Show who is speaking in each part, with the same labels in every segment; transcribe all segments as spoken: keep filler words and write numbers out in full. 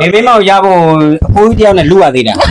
Speaker 1: ဒီမိမောက်ရဖို့အဖိုးကြီးတယောက်နဲ့လူရသေးတာ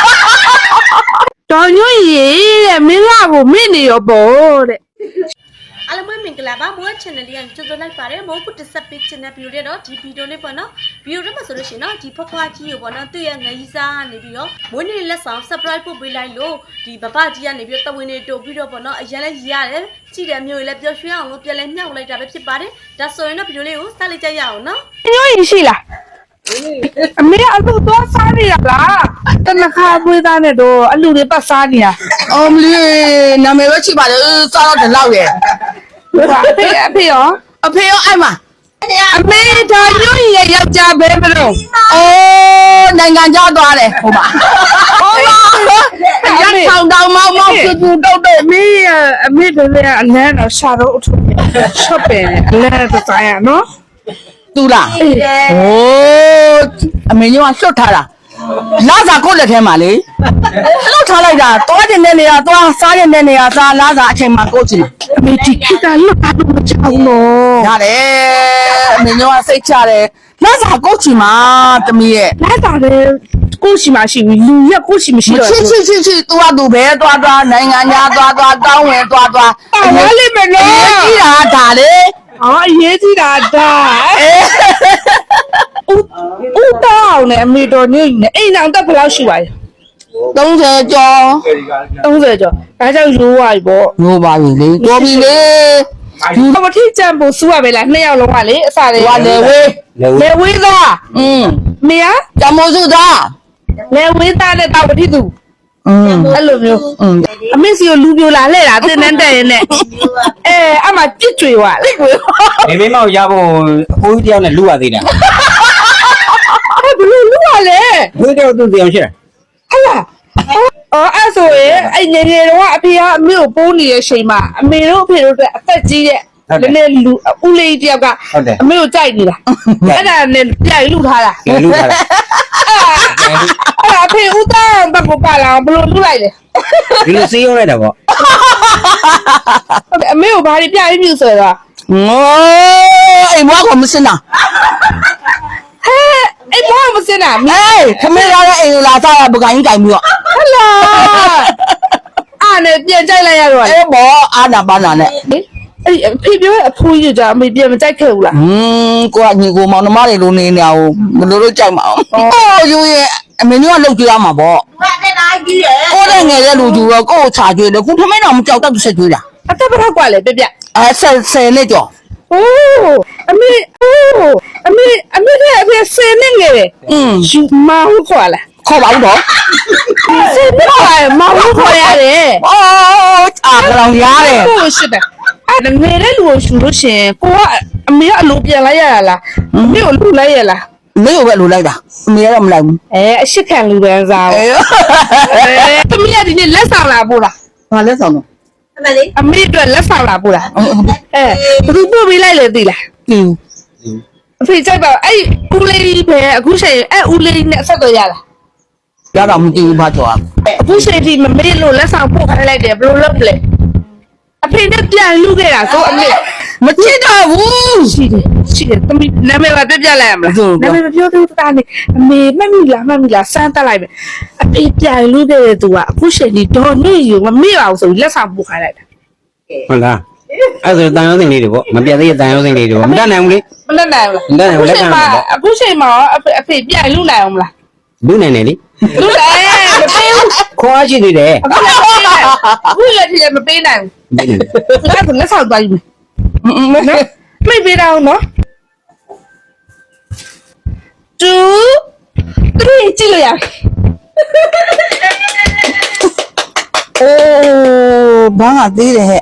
Speaker 2: တော်ညွန့်ရေတဲ့မင်းလာကိုမင်းနေရောပေါ့တဲ့
Speaker 3: အားလုံးပဲမင်္ဂလာပါမိုး channel လေးကကြိုဆိုလိုက်ပါတယ်မိုးကုတ်တစ်ဆက်ပေး channel ဗီဒီယိုလေးတော့ဒီဗီဒီယိုလေးပေါ့နော်ဗီဒီယိုထဲမှာဆိုလို့ရှိရင်တော့ဒီဖွားဖွားကြီးကိုပေါ့နော်သူ့ရဲ့ငရီးစားကနေပြီးတော့မွေးနေ့လက်ဆောင် surprise ပို့ပေးလိုက်လို့ဒီဘဘကြီးကနေပြီးတော့တဝင်းနေတိုးပြီးတော့ပေါ့နော်အရင်လည်းရတယ်ကြည့်တယ်မျိုးကြီးလည်းပျော်ရွှင်အောင်လို့ပြန်လဲမြောက်လိုက်တာပဲဖြစ်ပါတယ်ဒါဆိုရင်တော့ဗီဒီယိုလေးကိုစလိုက်ကြရအောင်နော်
Speaker 2: ညွန့်ရေရှိလားအမေအလူတော့စားနေရလားတနခါပွေးသားနဲ့တော့အလူတွေပတ်စားနေရ
Speaker 4: အော်မလေးနာမည်ပဲချိပါလေစားတော့ဒီလောက်ရဲ့
Speaker 2: ဟာအဖေအဖေရော
Speaker 4: အဖေရောအဲ့မှာ
Speaker 2: အမေဒါညွန့်ရေယောက်ျားပဲမလို့
Speaker 4: အိုးနိုင်ငံခြားသွားတယ်ဟိုမှာဟုတ်ပါရက်ဆောင်တောင်မောက်မောက်ကျူတုတ်တုတ်
Speaker 2: အမေအမေတို့လည်းအလန်းတော့ရှာတော့အထုပ်ရှော့ပယ်အလန်းတော့ဆိုင်ရနော်
Speaker 4: တူလားဟိုးအမေညောကလွတ်ထားတာလာစာကိုလက်ထဲမှာလေလွတ်ထားလိုက်တာတွားတင်တဲ့နေရာတွားစားတဲ့နေရာစားလာစာအချိန်မှာကိုချင်
Speaker 2: အမေဒီခေတ်ကလွတ်ထားလို့မချောင်းတော့
Speaker 4: ရတယ်အမေညောကစိတ်ချတယ်လာစာကိုချင်မှာတမီးရဲ့
Speaker 2: လာစာလည်းကိုရှိမရှိဘူးလူရက်ကိုရှိမရှိတော့
Speaker 4: ချစ်ချစ်ချစ်ချစ်သူကသူပဲတွားတွားနိုင်ငံညာတွားတွားတောင်းဝင်တွားတွား
Speaker 2: ပါလိမ့်မယ်နော်
Speaker 4: ကြီးတာဒါလေ
Speaker 2: အော်အရေးကြီးတာဒါဦးတောင်းနဲ့အမေတော်ညနေအိမ်အောင်တက်ဘယ်လောက်ရှိပါလဲ
Speaker 4: သုံးဆယ်ကျော်
Speaker 2: သုံးဆယ်ကျော်ဒါကြောင့်ရိုးသွားပြီပေါ့
Speaker 4: ရိုးပါပြီလေတော်ပြီလေ
Speaker 2: ဒီမထိကြံဖို့စူရပဲလားနှစ်ယောက်လုံးကလေအစားလေး
Speaker 4: ဟိုလေဝေး
Speaker 2: လေဝေးသား
Speaker 4: อืม
Speaker 2: မေယာ
Speaker 4: จำโมสุသား
Speaker 2: လေဝေးသားနဲ့တောက်ပတိသူ
Speaker 4: อืม
Speaker 2: အဲ့လိုမျိုး
Speaker 4: อืม
Speaker 2: အမေစီကိုလူပြိုလာလှဲ့တာတင်းတန်းတက်ရင်နဲ့အဲအမှပြစ်ကြွေသွားလေကို
Speaker 1: ဒီမိမောက်ရဖို့အဖိုးကြီးတယောက်နဲ့လူရသေးတာ
Speaker 2: ဘယ်လိုလူရလဲ
Speaker 1: ဘယ်တော့သူတယောက်ရှိ
Speaker 2: ဟလာအော်အဲ့ဆိုရင်အဲ့ငယ်ငယ်တော့အဖေကအမေကိုပိုးနေတဲ့အချိန်မှာအမေတို့အဖေတို့အသက်ကြီးတဲ့နည်းနည်းလူဦးလေးတယောက်ကအမေကိုကြိုက်နေတာအဲ့ဒါနဲ့ပြိုင်လူထားတာ
Speaker 1: လူထားတာ
Speaker 2: အဲ့ဒါဖေဦးသားဘက်ကိုပါလာဘယ်လိုလူလိုက်လဲ
Speaker 1: ဒီလိုစေးရောက်လိုက်တာပေါ့
Speaker 2: အမေကိုဘာတွေပြိုင်ပြူဆိုတော့
Speaker 4: ငိုးအိမ်ဘွားကမစင်တာ
Speaker 2: ဟဲ့အိမ်ဘွားမစင်တာ
Speaker 4: ဟေးခမေးရတဲ့အိမ်လာစားရပကိုင်းကြိုင်ပြီးတော့
Speaker 2: ဟလာအားနဲ့ပြန်ကြိုက်လိုက်ရတော့
Speaker 4: အေးဘောအာနာပါနာနဲ့
Speaker 2: အဲ့အဖေပြောအဖိုးကြီးကြအမေပြန်မကြိုက်ခဲ့ဘူးလား
Speaker 4: ဟင်းကိုကညီကိုမောင်နှမတွေလိုနေနေအောင်မလို့လို့ကြိုက်မအောင်အော်ယူရဲ့အမေမျိုးကလောက်ကြရမှာပေါ့ဘာတဲ့တိုင်းကြီးရဲ့ကိုတဲ့ငယ်တဲ့လူကြီးတော့ကို့ကိုချာကျွေးတယ်ခုထမင်းတော်မကြောက်တော့ဆက်ကျွေးတာ
Speaker 2: အသက်ဘယ်တော့กว่าလဲပြပြ
Speaker 4: အဲဆယ်ဆယ်နဲ့ကြော်
Speaker 2: အိုးအမေအိုးအမေအမေကအဖေဆယ်နဲ့ငယ်တယ်
Speaker 4: อืม
Speaker 2: ယူမောင်ခေါ်လာ
Speaker 4: ခေါ်ပါဦးတော့
Speaker 2: ဆယ်နဲ့မောင်ခေါ်ရတယ်
Speaker 4: အော်အာကြောင်ရတယ်
Speaker 2: ကိုရှိတယ်အဲ့ငယ်တဲ့လူကိုရှူလို့ရှင်ကိုကအမေကအလိုပြန်လိုက်ရလားအမေကိုလူလိုက်ရလား
Speaker 4: မေကိုပဲလူလိုက်တာအမေကတော့မလိုက်ဘူး
Speaker 2: အဲအရှိခံလူပဲစားအဲသမီးကဒီနေ့လက်ဆောင်လာပို့လား
Speaker 4: ဘာလက်ဆောင်တော့
Speaker 2: အမေလေးအမေအတွက်လက်ဆောင်လာပို့လားအဲဘယ်သူပို့ပေးလိုက်လဲသိလား
Speaker 4: သိဘူး
Speaker 2: အဖေကြိုက်ပါအဲ့ဦးလေးပဲအခုချိန်အဲ့ဦးလေးနဲ့ဆက်တော့ရလား
Speaker 4: ရတော့မသိဘူးဘာကြော
Speaker 2: အခုချိန်ဒီမမေလို့လက်ဆောင်ပို့ခိုင်းလိုက်တယ်ဘယ်လိုလုပ်လဲအဖေနဲ့ပြန်လူခဲ့တာဆိုအမေ
Speaker 4: မချစ်တော့ဘူး
Speaker 2: ရှိတယ်ရှိတယ်သမီးနာမည်ပါပြပြလိုက်ရမလားနာမည်မပြောသေးဘူးတာနေအမေမှတ်မိလားမှတ်မိလားစမ်းတက်လိုက်မယ်အဖေပြန်လူခဲ့တဲ့သူကအခုချိန်ဒီဒေါ်နေယူမမေ့အောင်ဆိုလက်ဆောင်ပို့ခိုင်းလိုက်တာ
Speaker 1: ဟုတ်လားအဲ့ဆိုတန်ရုံးစင်လေးတွေပေါ့မပြတ်သေးတဲ့တန်ရုံးစင်လေးတွေပေါ့မတတ်နိုင်ဘူးလေ
Speaker 2: မတတ်နိုင်ဘူး
Speaker 1: မတတ်နိုင်ဘူးလက်ခံပါ
Speaker 2: အခုချိန်မှာအဖေအဖေပြန်လူနိုင်အောင်မလား
Speaker 1: လူနိုင်တယ်လေ
Speaker 2: လူနိုင်မပေးဘူး
Speaker 1: ခေါ်ရှိသေးတယ်
Speaker 2: အခုလက်ထက်မပေးနိုင်ဘူးအဲ့ဒါလက်ဆောင်သွားယူမယ်နော်မိပေးတော့နော်two three ကြည့်လို့ရ
Speaker 4: အိုးဘာငါသေးတယ်ဟဲ့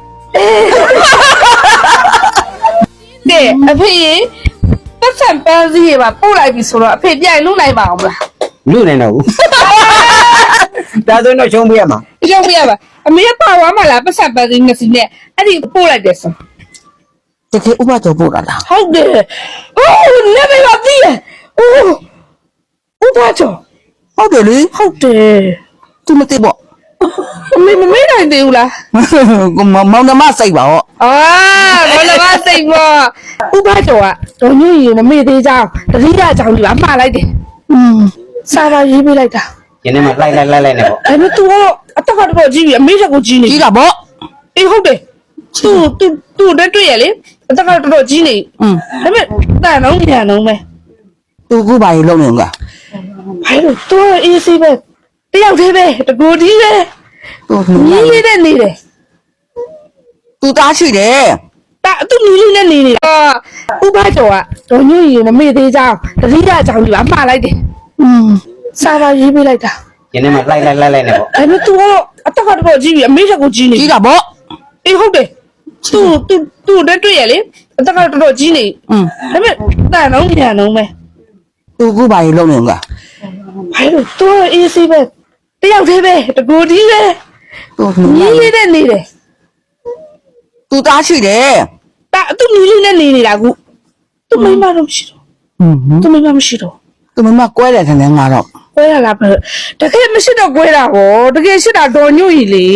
Speaker 2: ကဲအဖေပတ်စံပန်းစည်းရပါပို့လိုက်ပြီဆိုတော့အဖေပြန်လူနိုင်ပါအောင်မလား
Speaker 1: လူနိုင်တော့ဘူးဒါဆိုတော့ရှုံးပေးရမှာ
Speaker 2: ရှုံးပေးရပါအမေကပါသွားမှလားပတ်စံပန်းစည်းနှစ်စီနဲ့အဲ့ဒီပို့လိုက်တယ်ဆို
Speaker 4: တကယ်ဥပဒေပို့တာလား
Speaker 2: ဟုတ်တယ်အိုးနေမပါသေးအိုးဥပဒေ
Speaker 4: ဟုတ်တယ်လေ
Speaker 2: ဟုတ်တယ်
Speaker 4: သူမသိပေါ့
Speaker 2: အမေမမေ့နိုင်သေးဘူးလား
Speaker 4: မောင်နှမစိတ်ပါဟော
Speaker 2: အာမောင်နှမစိတ်ပါဥပဒေကဒေါ်ညွန့်ရင်မမေ့သေးကြအောင်တတိယအကြောင်းဒီပါမှားလိုက်တယ်
Speaker 4: อืม
Speaker 2: စာပါရေးပေးလိုက်တာ
Speaker 1: ကျင်းနေမှာလိုက်လိုက်လိုက်လိုက်နေပေါ့
Speaker 2: အဲ့တော့ तू ကတော့အသက်ကတော့ကြီးပြီအမေချက်ကိုကြီးနေ
Speaker 4: ကြီးတာဗော
Speaker 2: အေးဟုတ်တယ် तू तू तू တက်တွေ့ရလေအသက်ကတော့တော်တော်ကြီးနေ
Speaker 4: อืม
Speaker 2: ဒါပေမဲ့တန်တော့ညံတော့မယ်
Speaker 4: သူကူပါရေလုံးနေက
Speaker 2: ဘာလို့ तू အေးစေးပဲတယောက်သေးပဲတကူကြီးပဲ
Speaker 4: သူ
Speaker 2: ညီလေးနဲ့နေတယ်
Speaker 4: သူသားရှိတယ်
Speaker 2: တာသူညီလေးနဲ့နေနေတာဥပကျော်ကဒေါ်ညွန့်ရင်မမေ့သေးကြအောင်တတိယအကြောင်းကြီးပါမှားလိုက်တယ်
Speaker 4: อืม
Speaker 2: စာပါရေးပေးလိုက်တာ
Speaker 1: ကျင်းနေမှာလိုက်လိုက်လိုက်လိုက်နေပေါ့
Speaker 2: အဲ့တော့ तू ကတော့အသက်ကတော့ကြီးပြီအမေချက်ကိုကြီးနေ
Speaker 4: ကြီးတာဗော
Speaker 2: အေးဟုတ်တယ် तू तू तू တက်တွေ့ရလေအသက်ကတော့တော်တော်ကြီးနေ
Speaker 4: อืม
Speaker 2: ဒါပေမဲ့တန်တော့ညံတော့မယ်
Speaker 4: သူကူပါရေလုံးနေက
Speaker 2: ဘာလို့ तू အေးစေးပဲတယောက်သေးပဲတကူကြီးပဲ
Speaker 4: သူ
Speaker 2: ညီလေးနဲ့နေတယ်
Speaker 4: သူသားရှိတယ်
Speaker 2: တာသူညီလေးနဲ့နေနေတာကူသူမိမတော့မရှိတော့
Speaker 4: อืม
Speaker 2: သူမိမမရှိတော့
Speaker 4: သူမမကွဲတယ်ထင်တယ်ငါတော့
Speaker 2: ကွဲရလားပဲတကယ်မရှိတော့ကွဲတာဟောတကယ်ရှိတာတော်ညွန့်ကြီးလေ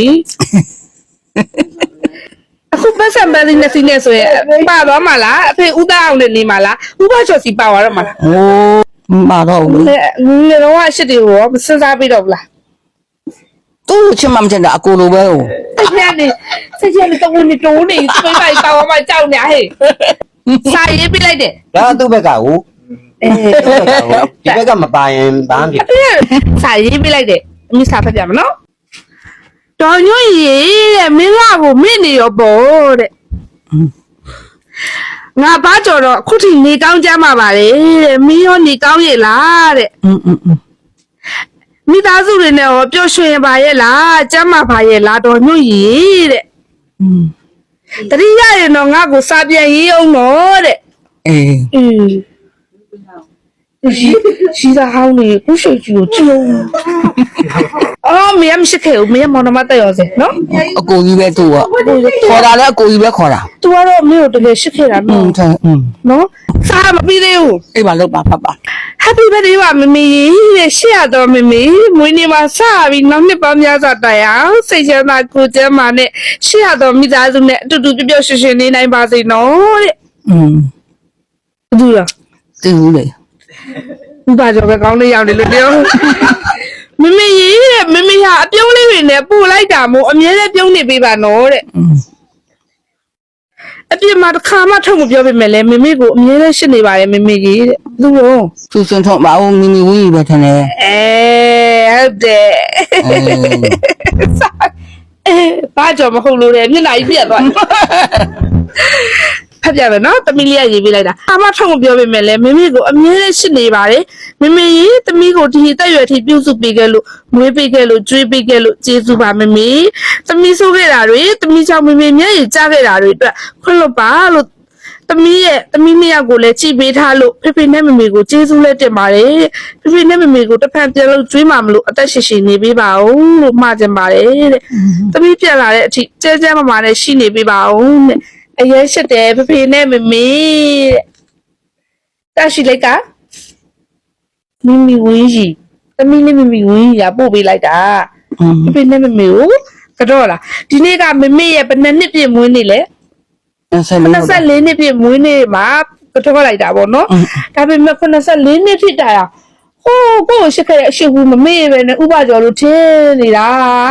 Speaker 2: အခုပတ်စံပန်းနေစီနေဆိုရင်ပါသွားမှာလားအဖေဦးသားအောင်နဲ့နေမှာလားဥပချော်စီပါသွားတော့မှာလား
Speaker 4: โอ้มาတော့ဘူး
Speaker 2: ငယ်ငယ်တော့အရှိတေကိုမစဉ်းစားပြီးတော့ဘူးလား
Speaker 4: သူ့ချစ်မှမချင်တာအကိုလိုပဲဟို
Speaker 2: စိတ်ရနေစိတ်ရနေတော့ဝင်နေတိုးနေသူမိမပါသွားမှကြောက်နေဟဲ့စာရေးပြလိုက်တယ်
Speaker 1: ဒါသူ့ဘက်ကဟို
Speaker 2: အေး
Speaker 1: ဒီဘက်ကမပါရင်ဘာမှမဖြစ်
Speaker 2: စာရေးပြလိုက်တယ်အမိစာဖတ်ပြမနော်တော်ညွန့်ရေတဲ့မင်းကကိုမင့်နေရောပေါ့တဲ့ငါဘာကြော်တော့အခုထိနေကောင်းကြမှာပါလေတဲ့မင်းရောနေကောင်းရဲ့လားတဲ့
Speaker 4: อืมอืมอืม
Speaker 2: မိသားစုတွေနဲ့ရောပျော်ရွှင်ပါရဲ့လားကျမ်းမာပါရဲ့လားတော်ညွန့်ရေတဲ့
Speaker 4: อืม
Speaker 2: တတိယရင်တော့ငါ့ကိုစာပြန်ရေးအောင်တော့တဲ့
Speaker 4: အေး
Speaker 2: အင်းရှိရှိတာဟောင်းနေခုရှိတ်ကြီးကိုကြည့်အောင်အော်မင်းမရှိခဲ့ဘူးမင်းမောင်နှမတက်ရောစေနော်
Speaker 4: အကိုကြီးပဲသူကခေါ်တာလည်းအကိုကြီးပဲခေါ်တာ
Speaker 2: तू ကတော့မင်းကိုတကယ်ရှိခဲ့တာ
Speaker 4: อื
Speaker 2: နော်
Speaker 4: มထိုင်อืม
Speaker 2: နော်စာမပြီးသေးဘူး
Speaker 4: အေးပါလောက်ပါဖတ်ပါ
Speaker 2: Happy birthday ပါမမေတဲ့ရှေ့ရတော့မမေမွေးနေ့မှာစပြီးနောက်နှစ်ပေါင်းများစွာတိုင်အောင်စိတ်ချမ်းသာကိုယ်ကျန်းမာနဲ့ရှေ့ရတော့မိသားစုနဲ့အတူတူပျော်ပျော်ရွှင်ရွှင်နေနိုင်ပါစေနော်တဲ့
Speaker 4: อืม
Speaker 2: ဘူးလား
Speaker 4: သိဘူးလေ
Speaker 2: ဥပကျော်ပဲကောင်းလေးရောက်နေလို့ပြောမမေရေးတဲ့မမေဟာအပြုံးလေးတွေနဲ့ပို့လိုက်တာမို့အမြဲတမ်းပြုံးနေပေးပါနော်တဲ့
Speaker 4: อืม
Speaker 2: အပြစ်မှာတစ်ခါမှထုတ်မပြောပေးမယ်လေမမေကိုအမြဲတမ်းရှင်းနေပါတယ်မမေကြီးတဲ့သူ့ရော
Speaker 4: သူစင်ထုံမအောင်မီမီဝီပဲထင်တယ်
Speaker 2: အဲဟုတ်တယ်
Speaker 4: အေး
Speaker 2: အဲဘာကြောင့်မဟုတ်လို့လဲမျက်နှာကြီးပြတ်သွားဖတ်ပြမယ်နော်သမီးလေးကရေးပေးလိုက်တာအမထုတ်မပြောပေးမယ်လေမမေကိုအမြဲတမ်းရှင်းနေပါတယ်မမေကြီးသမီးကိုဒီတက်ရွယ်ထိပြုစုပေးခဲ့လို့မွေးပေးခဲ့လို့ကျွေးပေးခဲ့လို့ကျေးဇူးပါမမေသမီးဆိုးခဲ့တာတွေသမီးကြောင့်မမေမျက်ရည်ကျခဲ့တာတွေအတွက်ခွင့်လွတ်ပါလို့သမီးရဲ့သမီးနှစ်ယောက်ကိုလည်းကြည်ပေးထားလို့ဖေဖေနဲ့မမေကိုကျေးဇူးလက်တင်ပါတယ်ဖေဖေနဲ့မမေကိုတစ်ဖန်ပြန်လို့ကျွေးမှာမလို့အသက်ရှင်ရှင်နေပေးပါဦးလို့မှာကြင်ပါတယ်တဲ့သမီးပြန်လာတဲ့အထိကျဲကျဲမမာနဲ့ရှိနေပေးပါဦးတဲ့အရင်ရှိတယ်ဖေဖေနဲ့မမေတဲ့တရှိလိုက်ကမီမီဝင်းကြီးသမီးနဲ့မမီဝင်းကြီးကပို့ပေးလိုက်တာ
Speaker 4: อืม
Speaker 2: ဖေဖေနဲ့မမေကိုကတော့လားဒီနေ့ကမမေရဲ့ဘယ်နှစ်နှစ်ပြည့်မွေးနေ့လဲ
Speaker 4: ဆက်လို့
Speaker 2: နှစ်လေးနှစ်ပြည့်မွေးနေ့မှာကတော့လိုက်တာပေါ့နော်ဒါပေမဲ့နှစ်လေးနှစ်ဖြစ်တာဟိုးကိုရှိခဲ့တဲ့အရှိဘူးမမေပဲနဲ့ဥပကျော်လို့ထင်းနေတာ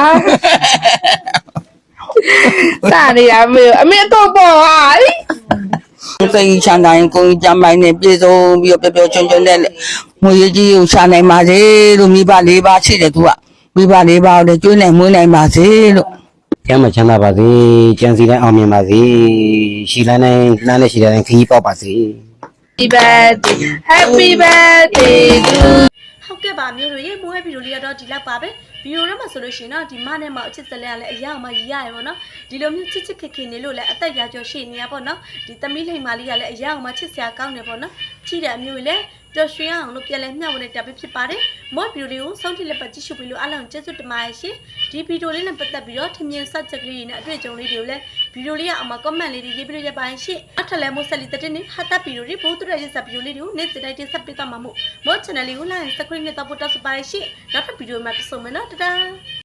Speaker 2: စာနေရမေအမေတော့ပေါ့ဟာ
Speaker 4: စိတ်ချမ်းသာရင်ကိုယ်ကြမ်းပိုင်းနဲ့ပြေဆုံးပြီးတော့ပျော်ပျော်ချွန်းချွန်းနဲ့ငွေကြီးကိုရှာနိုင်ပါစေလို့မိဘလေးပါရှိတယ်သူကမိဘလေးပါကိုလည်းကျွေးနိုင်မွေးနိုင်ပါစေလို့
Speaker 1: ကျမ်းမချမ်းသာပါစေကျမ်းစီတိုင်းအောင်မြင်ပါစေရှီလန်းတိုင်းလမ်းနဲ့ရှီလန်းတိုင်းခီးပေါက်ပါစေ
Speaker 2: Happy birthday Happy birthday to
Speaker 3: ဟုတ်ကဲ့ပါမျိုးတို့ရေမိုးရဲ့ဗီဒီယိုလေးကတော့ဒီလောက်ပါပဲဗီဒီယိုထဲမှာဆိုလို့ရှိရင်တော့ဒီမနဲ့မအချစ်စလဲကလည်းအရာမှရရရပါတော့ဒီလိုမျိုးချစ်ချစ်ခင်ခင်နေလို့လည်းအသက်ရာကျော်ရှိနေရပါတော့ဒီသမီးလိမ္မာလေးကလည်းအရာမှချစ်စရာကောင်းနေပါတော့ချစ်တဲ့အမျိုးလေးပျော်ရွှင်အောင်လို့ပြန်လဲမျှဝေတဲ့တပ်ဖြစ်ပါတယ်မော့ဗီဒီယိုလေးကိုစောင့်ကြည့်လက်ပတ်ကြည့်ရှုပြီးလို့အားလုံးကျေးဇူးတင်ပါတယ်ရှင်ဒီဗီဒီယိုလေးနဲ့ပတ်သက်ပြီးတော့ထင်မြင်စချက်ကလေးနဲ့အတွေ့အကြုံလေးတွေကိုလည်းဗီဒီယိုလေးကအမ comment လေးတွေရေးပြီးလို့ရပါတယ်ရှင်အထက်လဲမို့ဆက်လီတဲ့တင်ဟာတာဗီဒီယိုတွေဘိုးတူရဲ့ဆက်ဗီဒီယိုလေးတွေကိုနေ့စဉ်တိုင်းတင်ဆက်ပေးသွားမှာမို့မော့ channel လေးကို like subscribe နဲ့တော့ပို့တော့စပါရရှင်နောက်ထပ်ဗီဒီယိုမှာပြန်ဆုံမယ်နော်တဒါ